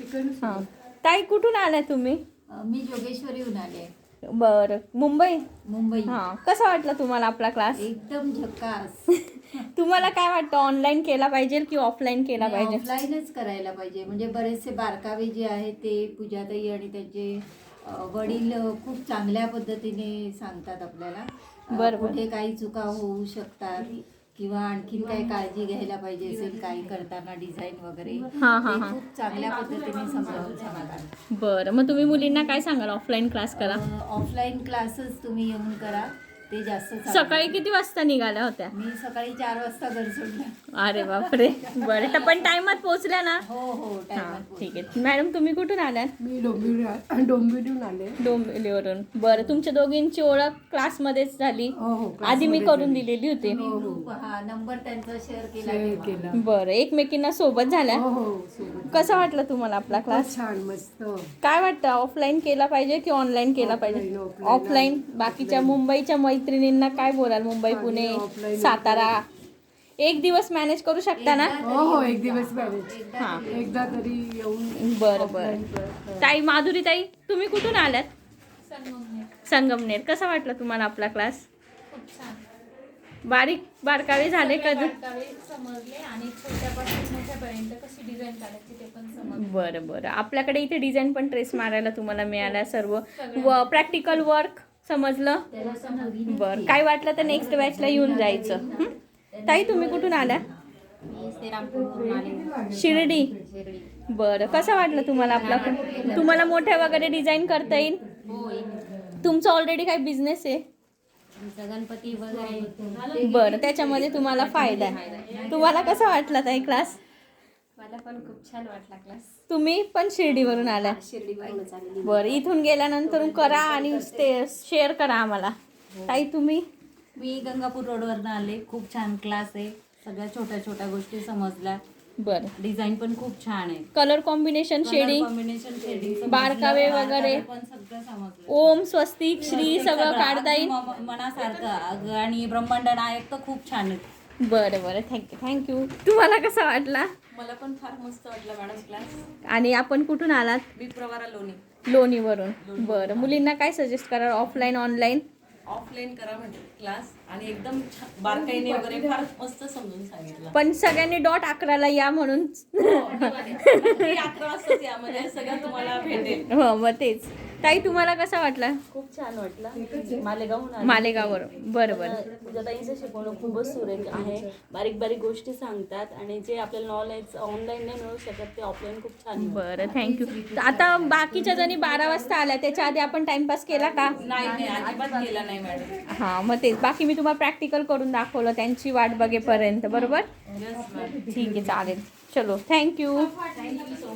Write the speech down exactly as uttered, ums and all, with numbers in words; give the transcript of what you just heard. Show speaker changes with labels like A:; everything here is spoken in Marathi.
A: हां ताई कुठून आल्या तुम्ही?
B: मी जोगेश्वरीहून आले.
A: बरं मुंबई.
B: मुंबई.
A: हां कसा वाटला तुम्हाला आपला क्लास?
B: एकदम झकास.
A: तुम्हाला काय वाटतं ऑनलाईन केला पाहिजे की ऑफलाईन केला पाहिजे?
B: ऑफलाईनच करायला पाहिजे. म्हणजे बरेचसे बारकावे जे आहेत ते पूजाताई आणि त्यांचे वडील खूप चांगल्या पद्धतीने सांगतात आपल्याला.
A: बरं
B: कुठे काही चुका होऊ शकतात किंवा आणखीन काही काळजी घ्यायला पाहिजे असेल काही करताना डिझाईन वगैरे
A: हां हां
B: ते
A: हां
B: खूप चांगल्या पद्धतीने समजावून सांगतात.
A: बरं मग तुम्ही मुलींना काय सांगाल ऑफलाईन क्लास करा?
B: ऑफलाईन क्लासेस तुम्ही येऊन करा ते जास्त चांगलं.
A: सकाळी किती वाजता निघाल्या होत्या?
B: मी सकाळी चार वाजता घर सोडलं.
A: अरे बापरे. बरं तर पण टायमात पोहोचल्या ना?
B: हो हो
A: हां
B: टायमात.
A: ठीक आहे. मॅडम तुम्ही कुठून आल्यात?
C: मी डोंबिवली डोंबिवलीहून आले.
A: डोंबिवलीवरून. बरं तुमच्या दोघींची ओळख क्लासमध्येच झाली?
C: हो हो
A: आधी मी करून दिलेली होती.
B: हा नंबर त्यांचा शेअर केला
C: शेअर
B: तेव्हा.
C: केला.
A: बरं एकमेकींना सोबत झाल्या.
C: हो हो सोबत.
A: कसा वाटला तुम्हाला आपला क्लास?
C: छान मस्त.
A: काय वाटतं ऑफलाईन केला पाहिजे की ऑनलाईन केला पाहिजे?
C: Offline, offline.
A: ऑफलाईन. बाकीच्या मुंबईच्या मैत्रिणींना काय बोलाल? मुंबई पुणे
C: offline,
A: सातारा एक दिवस मॅनेज करू शकता ना?
C: हो हो एक दिवस मॅरेज.
A: हां
C: एकदा तरी येऊन.
A: बरं बरं. ताई माधुरी ताई तुम्ही कुठून आल्यात? संगमनेर. कसा वाटला तुम्हाला आपला क्लास?
D: खूप छान.
A: बारीक बारकावे झाले कधी?
D: बारकावे समजले आणि छोट्यापासून मोठ्यापर्यंत कशी डिझाईन काढायची ते पण समजले.
A: बरं बरं. आपल्याकडे इथे डिझाईन पण ट्रेस मारायला तुम्हाला मिळाला. सर्व व प्रॅक्टिकल वर्क समजलं. बरं काय वाटलं तर नेक्स्ट बॅचला येऊन जायचं. हं? ताई तुम्ही कुठून आल्या? शिर्डी. बरं कसं वाटलं तुम्हाला आपला? तुम्हाला मोठ्या वगैरे डिझाईन करता येईल? तुमचा ऑलरेडी काही बिझनेस आहे?
B: गणपती वगैरे.
A: बरं त्याच्यामध्ये तुम्हाला फायदा आहे. तुम्हाला कसा वाटला ताई क्लास?
D: मला पण खूप छान वाटला क्लास.
A: तुम्ही पण शिर्डीवरून आल्या?
D: शिर्डीवरूनच आलेली.
A: बरं इथून गेल्यानंतर करा आणि ते शेअर करा आम्हाला. ताई तुम्ही?
B: मी गंगापूर रोडवरनं आले. खूप छान क्लास आहे. सगळ्या छोट्या छोट्या गोष्टी समजल्या.
A: बरं
B: डिझाईन पण खूप छान आहे.
A: Colour combination shading
B: combination shading
A: बारकावे वगैरे
B: पण सगळं समजलं.
A: ओम स्वस्तिक श्री सगळं काढता येईल.
B: म- मनासारखं अगं आणि ब्रह्मांड नायक तर खूप छान आहे.
A: बरं बरं थँक्यू थँक्यू. तुम्हाला कसा वाटला?
D: मला पण फार मस्त वाटला मॅडम क्लास.
A: आणि आपण कुठून आलात?
D: मी प्रवारा लोणी.
A: लोणीवरून. बरं मुलींना काय सजेस्ट करा ऑफलाईन ऑनलाईन?
D: ऑफलाईन करा म्हणजे क्लास आणि एकदम छान बारकाईने वगैरे फार मस्त समजून सांगितलं.
A: पण सगळ्यांनी डॉट अकराला या म्हणून.
D: नक्की अकरा वाजताच यामध्ये सगळं तुम्हाला भेटेल.
A: हो मग तेच. ताई तुम्हाला कसा वाटला?
E: खूप छान वाटलं. मालेगावहून आले.
A: मालेगाववरून. बरं बरं.
E: पूजाताईंचं शिकवणं खूपच सुरेख आहे. बारीक बारीक गोष्टी सांगतात आणि जे आपल्याला नॉलेज ऑनलाईन नाही मिळू शकत ते ऑफलाईन खूप छान मिळतं.
A: बरं थँक्यू. आता बाकीच्या जणी बारा वाजता आल्या त्याच्या आधी आपण टाइमपास केला का?
D: नाही नाही अजिबात केला नाही मॅडम.
A: हां मग तेच बाकी मी तुम्हाला प्रॅक्टिकल करून दाखवलं त्यांची वाट बघेपर्यंत. बरोबर
D: येस मॅडम.
A: ठीक आहे चालेल. चलो थँक्यू.